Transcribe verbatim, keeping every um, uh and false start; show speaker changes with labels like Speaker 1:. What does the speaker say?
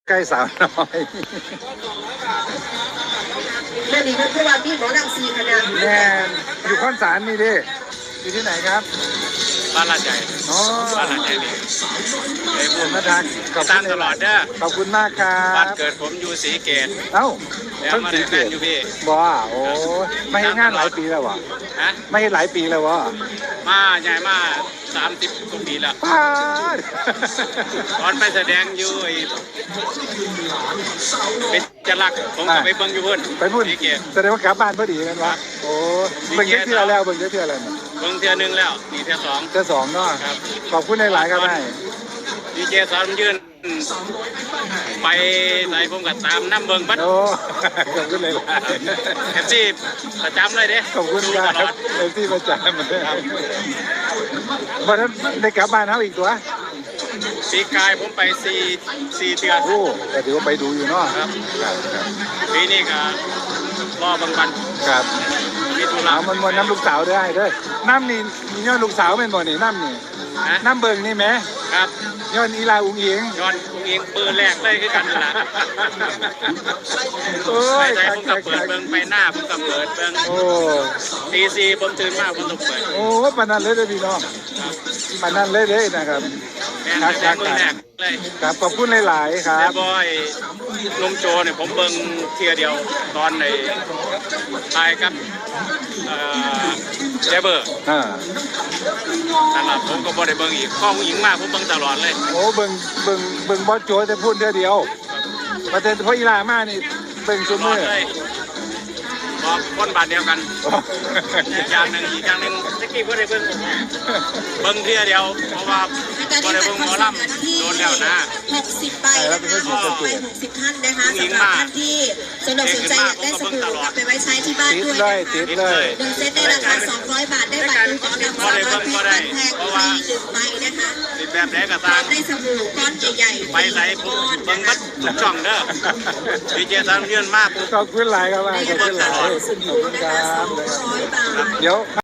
Speaker 1: ใกล้สาวน้อย
Speaker 2: แม่ดีก็คือว่าพี่หมอดังซีคณะ
Speaker 1: แน่อยู่ข้อนสารนี่ดิอยู่ที่ไหนครับ
Speaker 3: บ้านลาดใหญ่
Speaker 1: อ๋อ
Speaker 3: บ้านลาดใหญ่นี่ไอ้
Speaker 1: คุ
Speaker 3: บุ
Speaker 1: ณ
Speaker 3: ญ
Speaker 1: มาทางขอบ
Speaker 3: ตา
Speaker 1: คุ
Speaker 3: ม
Speaker 1: ณ
Speaker 3: ตลอดเด้อ
Speaker 1: ขอบคุณมากครั
Speaker 3: บ้าน
Speaker 1: บ
Speaker 3: เกิดผมอยู่ศรีเกต
Speaker 1: เอ้า
Speaker 3: แล้ว
Speaker 1: เพิ่ง
Speaker 3: มา
Speaker 1: สี
Speaker 3: ได้
Speaker 1: เก
Speaker 3: แม่น
Speaker 1: ต
Speaker 3: อยู่พี่
Speaker 1: บ่โอ้ไม่เห็นงานหลายปีแล้ววะ
Speaker 3: ฮะ
Speaker 1: ไม่เห็นหลายปีแล้ววะ
Speaker 3: มาใหญ่มาสามสิบกว่าปีแล้ว
Speaker 1: ป้าด
Speaker 3: ตอนไปแสดงอยู่ไอ้เป็นจรักผมก็ไปเบิ่งอยู่เพิ่น
Speaker 1: ไปพูด
Speaker 3: ศรีเกต
Speaker 1: แสดงว่ากลับบ้านพอดีกันวะโอ้เบิ่งเยอะเที่ยวแล้วเบิ่งเยอะเที่ยวแล้วเนี่ย
Speaker 3: เบิ่งเทื่อหนึงแล้วนี่เทื่อสอง
Speaker 1: เจ้าสองเนาะ
Speaker 3: ครับ
Speaker 1: ขอบคุณหลายๆครับไอ้
Speaker 3: ดีเจสอนยืนไปไหนผมก็ตามน้ำเบิ่งบัด
Speaker 1: โอ้ขอบคุณหลาย
Speaker 3: แท็กซี่ประจำเลยเด้
Speaker 1: ๆขอบคุณค
Speaker 3: ต
Speaker 1: รั
Speaker 3: ล
Speaker 1: บ
Speaker 3: อด
Speaker 1: เอฟซีประจำวันนั้นได้กลับบ้านเขาอีกตัว
Speaker 3: ปีกายผมไปสี่สี่เดือน
Speaker 1: โอ้แต่ถือว่าไปดูอยู่เนาะ
Speaker 3: ครับ
Speaker 1: ครับครับ
Speaker 3: ปีนี้ก็รอบางวัน
Speaker 1: ครับ
Speaker 3: มีธุระ
Speaker 1: เอามันวนน้ำลูกสาวได้เด้อน้ำนี่มีย้อนลูกสาวเป็นบ่นี่น้ำนี่
Speaker 3: นะ
Speaker 1: น้ำเบิ่งนี่ไหม
Speaker 3: ครับ
Speaker 1: ย้อนอีลาอุ้งอิง
Speaker 3: ย้อนอุ้งอิงปืนแรกเลยคือกันนั่นล่ะ
Speaker 1: โอ้
Speaker 3: ไป
Speaker 1: ย
Speaker 3: ใจผมก็เปิดเบิ่งไปหน้าผมก็เปิดเบิ่ง
Speaker 1: โอ้
Speaker 3: ตีสี่ผมตื่นมาผมต้องเปิด
Speaker 1: โอ้ปานนั้นเลยเด้อพี่น้องปานนั้นเลยเด้อนะครับ
Speaker 3: แม่นแต่มือแรกเลย
Speaker 1: ครับขอบคุณหลายๆครั
Speaker 3: แต่
Speaker 1: บ
Speaker 3: บอยนมโจเนี่ยผมเบิ่งเทียเดียวตอนในทายกับเอ่อเจเบอร์
Speaker 1: อ่า
Speaker 3: นั่นล่ะผมก็บ่ได้เบิ่งอีกข้อผู้หญิงมากผมเบิ่งตลอดเลย
Speaker 1: โอ้เบิ่งเบิ่งเบิ่งบอสโจแต่พูดเดียวเดียวประเด็นเพราะอีลามานี่เบิ่ง
Speaker 3: ต
Speaker 1: ซุ
Speaker 3: ลอ
Speaker 1: มื
Speaker 3: ด
Speaker 1: อ
Speaker 3: เลยบอกคนบาทเดียวกันอีกอย่างหนึ่งอีกอย่างหนึ่งตะกี้บ่ได้เบิ่งผมเบิ่งเทียเดียวเพราะว่าบ่ได้เบิ่งหมอลำโดนแล้วนะ
Speaker 2: หกสิบใบนะคะหกใบหกสิบท่านนะคะสำหรับท่านที่สนใจสนใจอยากได้สบู่กลับไปไว้ใช้ที่บ้าน
Speaker 1: ติด
Speaker 2: ด้วย
Speaker 1: เล
Speaker 2: นะ
Speaker 1: ย
Speaker 2: คะ
Speaker 1: ติดเลย
Speaker 2: หนึ่งเซตในราคาสองร้อยบาทได้บัตรดูของนำมาร้อยเพชรบัตรแพงฟรีหนึ่งใบนะคะ
Speaker 3: สิแบบไหนก็
Speaker 2: พร้อ
Speaker 3: ตาม
Speaker 2: มได้สบู่ก้อนใหญ่ๆ
Speaker 3: ไปไหนผมเบิ่งบัดทุกช่องเด้อดีเจสามเยือนมากปุ๊บ
Speaker 1: ขอบคุณหลายครับว่าขอบคุณหลายขอบ
Speaker 2: สบู่
Speaker 1: คุณ
Speaker 2: นะ
Speaker 1: ครั
Speaker 2: คะส
Speaker 1: บ
Speaker 2: องร้อยบาท
Speaker 1: เดี๋ยวไป